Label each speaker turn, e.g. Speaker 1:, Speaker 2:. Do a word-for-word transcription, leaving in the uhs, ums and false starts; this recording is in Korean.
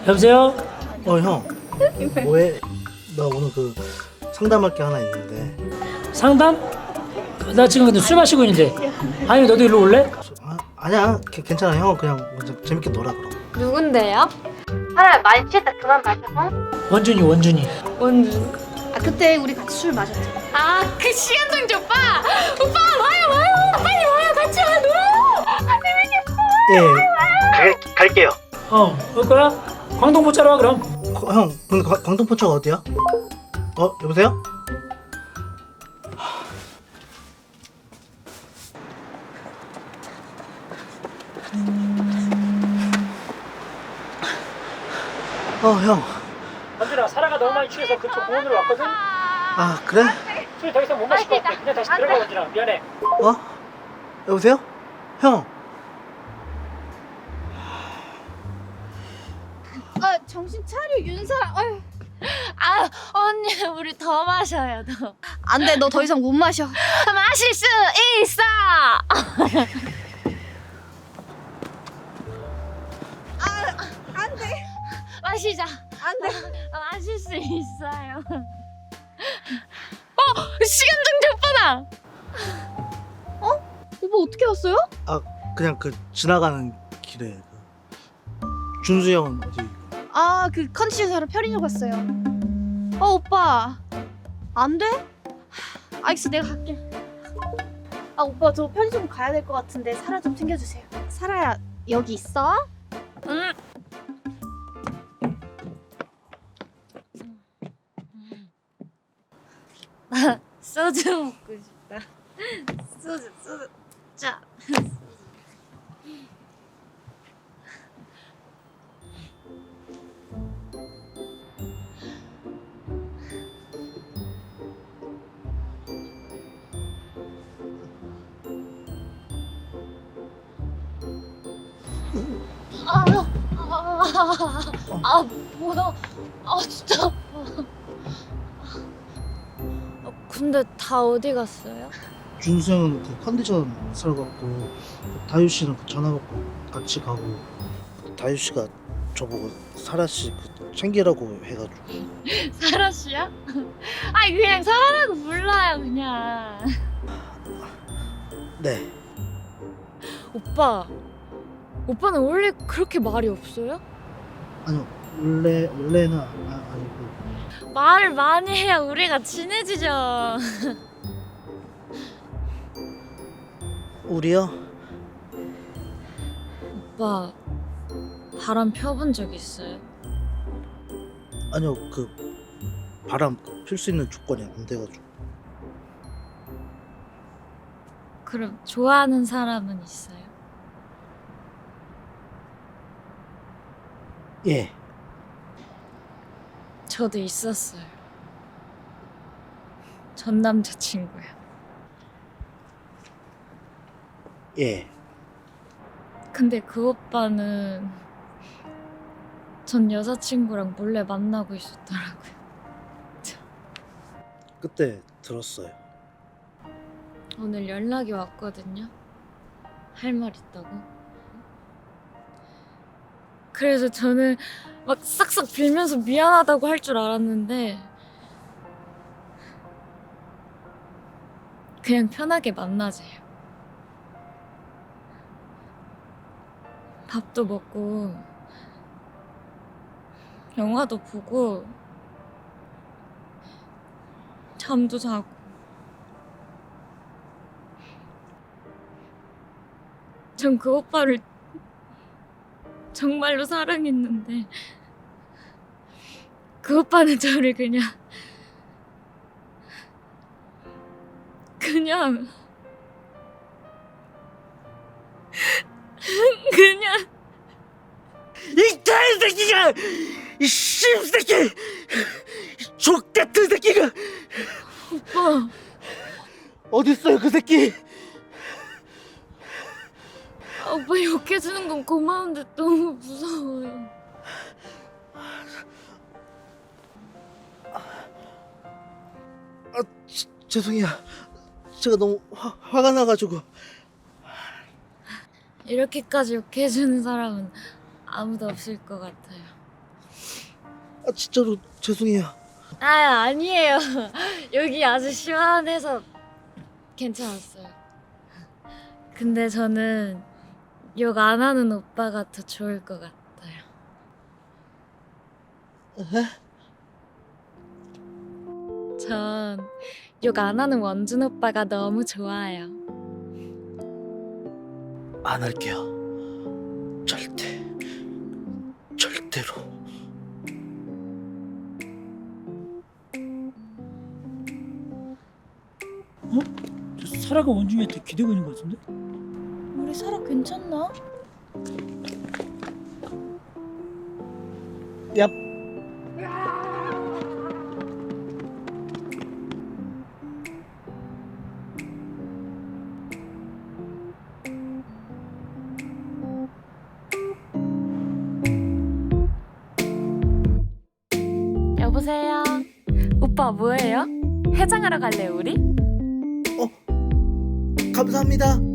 Speaker 1: 여보세요?
Speaker 2: 어, 형. 뭐해? 나 오늘 그 상담할 게 하나 있는데.
Speaker 1: 상담? 나 지금 근데 술 마시고 있는데. 아니 너도 일로 올래?
Speaker 2: 아, 아니야. 개- 괜찮아. 형 그냥 그냥 재밌게 놀아 그럼.
Speaker 3: 누군데요? 차라리 많이 취했다 그만 마셔.
Speaker 1: 원준이 원준이.
Speaker 3: 원준.
Speaker 4: 아 그때 우리 같이 술 마셨잖아.
Speaker 3: 아 그 시간정지 오빠. 오빠 와요 와요. 빨리 와요 같이 와 놀아요. 아 재밌겠어.
Speaker 2: 예. 갈 갈게요.
Speaker 1: 어, 올 거야? 광동포차로 와 그럼.
Speaker 2: 거- 형, 근데 과- 광동포차가 어디야? 어, 여보세요? 어, 형.
Speaker 1: 원준아, 사라가 너무 많이 취해서 그쪽 공원으로 왔거든?
Speaker 2: 아, 그래?
Speaker 1: 술 더 이상 못 마실 것 같아. 그냥 다시 들어가 원준아. 미안해.
Speaker 2: 어? 여보세요? 형.
Speaker 4: 아 정신 차려 윤사. 아유.
Speaker 3: 아 언니 우리 더 마셔요 더.
Speaker 4: 안돼 너 더 이상 못 마셔.
Speaker 3: 마실 수 있어.
Speaker 4: 안돼
Speaker 3: 마시자.
Speaker 4: 안돼.
Speaker 3: 마실 수 있어요. 어 시간정지 오빠다.
Speaker 4: 오빠 어떻게 왔어요?
Speaker 2: 아, 그냥 그 지나가는 길에 그 준수 형은 어디?
Speaker 4: 아 그 컨디션 사러 편의점 갔어요. 어 오빠 안 돼? 하, 알겠어 내가 갈게. 아 오빠 저 편의점 가야 될 것 같은데 사라 좀 챙겨주세요. 사라야 여기 있어?
Speaker 3: 응. 나 소주 먹고 싶다. 소주 소주. 자. 아, 아, 아, 아, 뭐야? 아, 진짜 아파. 아, 근데 다 어디 갔어요?
Speaker 2: 준수 형은 그 컨디션 사러 갔고 다유 씨는 그 전화 받고 같이 가고 다유 씨가 저보고 사라 씨그 챙기라고 해가지고.
Speaker 3: 사라 씨야? 아니 그냥 사라라고 불러요 그냥.
Speaker 2: 네.
Speaker 3: 오빠, 오빠는 원래 그렇게 말이 없어요?
Speaker 2: 아니요, 원래 원래는 아, 아니고.
Speaker 3: 말을 많이 해야 우리가 친해지죠.
Speaker 2: 우리요?
Speaker 3: 오빠 바람 펴본 적 있어요?
Speaker 2: 아니요, 그 바람 필 수 있는 조건이 안 돼가지고.
Speaker 3: 그럼 좋아하는 사람은 있어요?
Speaker 2: 예.
Speaker 3: 저도 있었어요. 전 남자친구요.
Speaker 2: 예.
Speaker 3: 근데 그 오빠는 전 여자친구랑 몰래 만나고 있었더라고요.
Speaker 2: 그때 들었어요.
Speaker 3: 오늘 연락이 왔거든요. 할 말 있다고. 그래서 저는 막 싹싹 빌면서 미안하다고 할 줄 알았는데 그냥 편하게 만나재요. 밥도 먹고 영화도 보고 잠도 자고. 전 그 오빠를 정말로 사랑했는데 그 오빠는 저를 그냥 그냥 그냥
Speaker 2: 이 개새끼가! 이 씹새끼! 족 같은 새끼가!
Speaker 3: 오빠
Speaker 2: 어딨어요 그 새끼?
Speaker 3: 아, 오빠 욕해주는 건 고마운데 너무 무서워요.
Speaker 2: 아, 지, 죄송해요. 제가 너무 화, 화가 나가지고.
Speaker 3: 이렇게까지 욕해주는 사람은 아무도 없을 것 같아요.
Speaker 2: 아 진짜로 죄송해요.
Speaker 3: 아, 아니에요. 여기 아주 시원해서 괜찮았어요. 근데 저는 욕 안 하는 오빠가 더 좋을 것 같아요. 전 욕 안 하는 원준 오빠가 너무 좋아요.
Speaker 2: 안 할게요. 절대 절대로.
Speaker 1: 저 사라가 원중이한테 기대고 있는 것 같은데?
Speaker 4: 우리 사라 괜찮나?
Speaker 2: 얍.
Speaker 3: 여보세요. 오빠 뭐해요? 해장하러 갈래 우리?
Speaker 2: 감사합니다.